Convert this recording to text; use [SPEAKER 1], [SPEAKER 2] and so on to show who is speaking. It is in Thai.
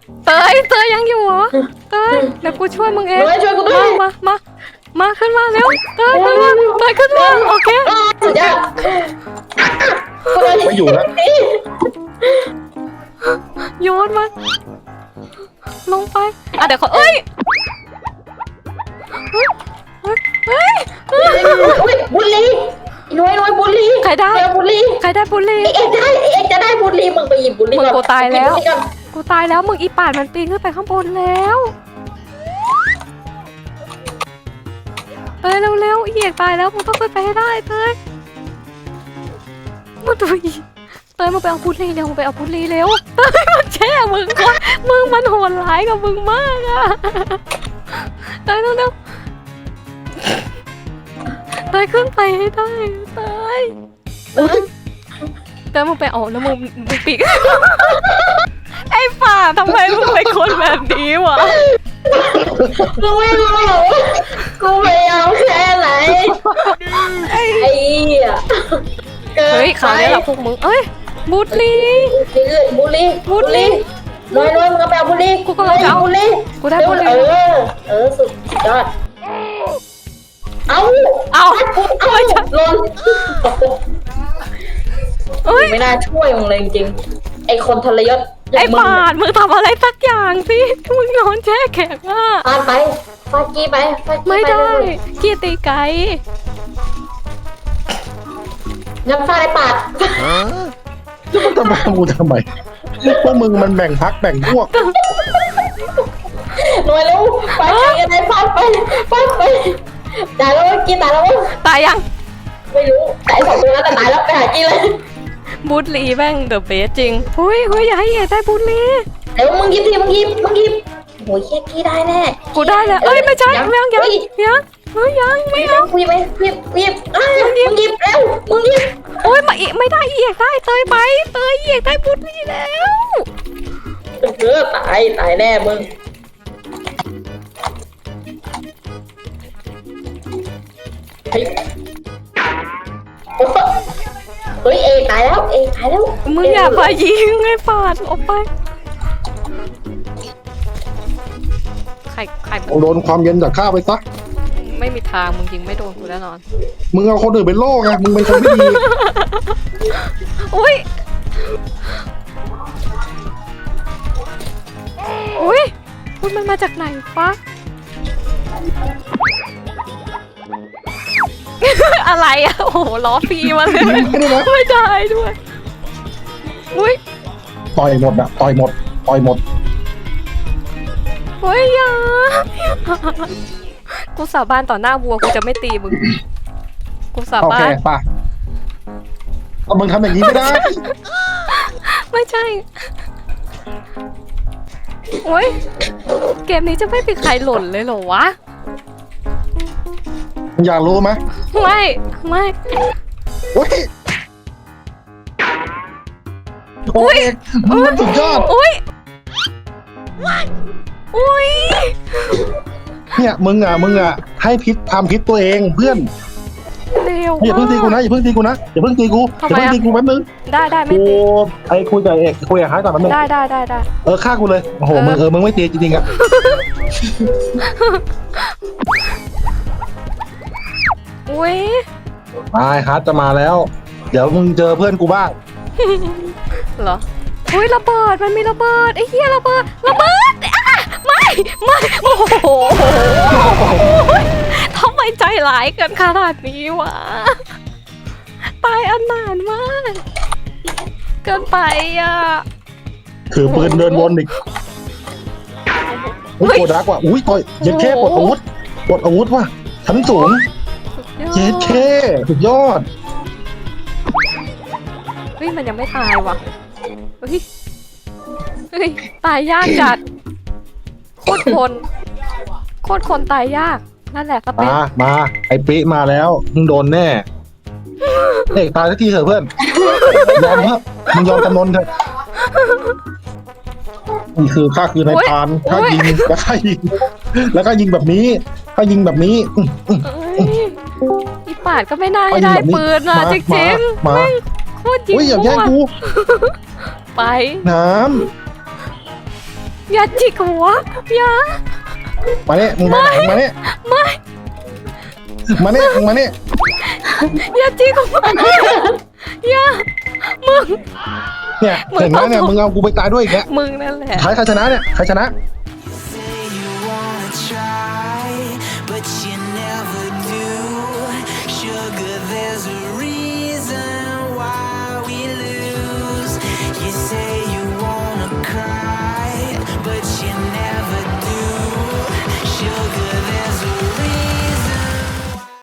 [SPEAKER 1] เตยยังอยู่เหรอเตยเดี๋ยวกูช่วยมึงเอง
[SPEAKER 2] ช่วยกูด้วย
[SPEAKER 1] มาขึ้นมาเร็วเตยขึ้นมาโอเค
[SPEAKER 2] สุดยอด
[SPEAKER 3] ไม่อยู่แล้ว
[SPEAKER 1] โยนมาลงไปเดี๋ยวเขาเอ้ย
[SPEAKER 2] บุลลี่น้อยบุลลี่
[SPEAKER 1] ใครได้บุลลี่
[SPEAKER 2] เอ็กจะได้บุลลี่มึงไปหยิบบุลลี่
[SPEAKER 1] มึงกูตายแล้วมึงอีป่านมันปีนขึ้นไปข้างบนแล้วเตยเร็วอีเอกตายแล้วมึงต้องขึ้นไปให้ได้เตยมึงตัวอีเตยมึงไปเอาบุลลี่เร็วเตยมันแช่มึงก่อนมึงมันโหดร้ายกับมึงมากอะเตยเร็วเตยขึ้นไปให้ได้เตยมึงไปเอาแล้วมึงปีกไอ้ป่าทำไมมึงเป็นคนแบบนี้วะ
[SPEAKER 2] กูไม่รู้หรอกกูพยายามแค่ไหนไอ้
[SPEAKER 1] เฮ้ยเขาเนี่ยแหละพวกมึงเอ้ยบูลลี่
[SPEAKER 2] น้อยมึงก็ไปเอาบุลลี่
[SPEAKER 1] กูกำลังจะเอาบุลลี่กูได้บุลลี่
[SPEAKER 2] สุดยอดเอาไม่ใช่ลนไม่น่าช่วยมึงเลยจริงไอ้คนทรยศ
[SPEAKER 1] ไอ้ปาดมึงทำอะไรสักอย่างสิมึงนอนแช่แข็งอ่ะ
[SPEAKER 2] ฟาดกี้ไป
[SPEAKER 1] ไม่ได้กี้ตีไก่
[SPEAKER 2] ยังฟาดไอ้ปาด
[SPEAKER 3] จะมาทำไมกูทำไมพวกมึงมันแบ่งพักแบ่งพวก
[SPEAKER 2] หน่วยแล้วไปกันไหนฟาดไปตายแล้วกี้ตายแล้ว
[SPEAKER 1] ตายยัง
[SPEAKER 2] ไม่รู้ตาย2 ตัวแล้วแต่ตายแล้วไปหากี้เลย
[SPEAKER 1] บูลลี่แม่งเดอะเบสจริงเฮ้ยอย่าให้เอ๋ได้บูลลี่
[SPEAKER 2] เดี๋ยวมึงหยิบโอ้ยกี้ได้แน่
[SPEAKER 1] กูได้แล้วเอ้ยไม่ใช่ยังไม่เอา
[SPEAKER 2] กูหยิบมึงหยิบแล้วมึงหยิบ
[SPEAKER 1] โอ้ยไม่ได้เอ๋ได้เตยไปเอ๋ได้บูลลี่แล้ว
[SPEAKER 2] ตายแน่มึงเฮ้ยตายแล้ว
[SPEAKER 1] มึงอย่าไปยิงไอ้ปาดออกไปใคร
[SPEAKER 3] โดนความเย็นจากข้าไปซะ
[SPEAKER 1] ไม่มีทางมึงยิงไม่โดนกูแน่นอน
[SPEAKER 3] มึงเอาคนอื่นเป็นโล่ไงมึงเป็นคนไม่ดี
[SPEAKER 1] อุ้ยมันมาจากไหนปะอะไรอะโอ้โหล้อฟรีมาเลยไม่ได้ด้วยอุ้ย
[SPEAKER 3] ต่อยหมด
[SPEAKER 1] เฮ้ยอย่ากูสาบานต่อหน้าวัวกูจะไม่ตีมึงกูสาบาน
[SPEAKER 3] โอเคป่ะมึงทำอย่างนี้ไม่ได้
[SPEAKER 1] ไม่ใช่โอ้ยเกมนี้จะไม่มีใครหล่นเลยเหรอวะ
[SPEAKER 3] อยากรู้ไหม
[SPEAKER 1] ไม่
[SPEAKER 3] โอ้ยมันสุดยอดเนี่ยมึงอ่ะให้พิษทำพิษตัวเองเพื่อนอย่าเพิ่งตีกูนะอย่าเพิ่งตีกูแป๊บนึง
[SPEAKER 1] ได้ไม่ตี
[SPEAKER 3] ไอ้คุยกับเอกคุยกับฮาร์ดก่อนแป๊บนึง
[SPEAKER 1] ได้
[SPEAKER 3] ฆ่ากูเลยโอ้โหมึงไม่ตีจริงๆอ่ะไอ้ฮาร์ดจะมาแล้วเดี๋ยวมึงเจอเพื่อนกูบ้าง
[SPEAKER 1] เหรอระเบิดมันมีระเบิดไอ้เหี้ยระเบิดไม่โอ้โหทำไมใจร้ายกันขนาดนี้วะตายอันนานมากเกินไปอ่ะ
[SPEAKER 3] ถือปืนเดินวนอีกโคดักว่ะต่อยเย็ดแค่ปลดอาวุธว่ะชั้นสูงเย็ดแค่สุดยอด
[SPEAKER 1] มันยังไม่ตายว่ะตายยากจัดโคตรคนตายยากนั่นแหละก็เป็น
[SPEAKER 3] มาไอ้ปิ๊มาแล้วมึงโดนแน่เอกตายสักทีเถอะเพื่อนยอมครับมึงยอมจำนนเถอะนี่คือข้าคือนายพรานข้ายิงแล้วก็ยิงแบบนี้
[SPEAKER 1] อีปาดก็ไม่น่าได้ปืนอ่ะจริงๆ
[SPEAKER 3] มา
[SPEAKER 1] โคตรยิง
[SPEAKER 3] อย่าแย่งกู
[SPEAKER 1] ไป
[SPEAKER 3] น้
[SPEAKER 1] อย่าจิกหัวอย่า
[SPEAKER 3] มาเนี่ยมึงมาไหนมาเนี่ย
[SPEAKER 1] ไม่
[SPEAKER 3] มาเนี่ยมึงมาเนี่ย
[SPEAKER 1] อย่าจิกหัวอย่ามึง
[SPEAKER 3] เนี่ยเห็นไหมเนี่ยมึงเอากูไปตายด้วยอีกแล้ว
[SPEAKER 1] มึงนั่นแหละ
[SPEAKER 3] ใครชนะเนี่ยใครชนะ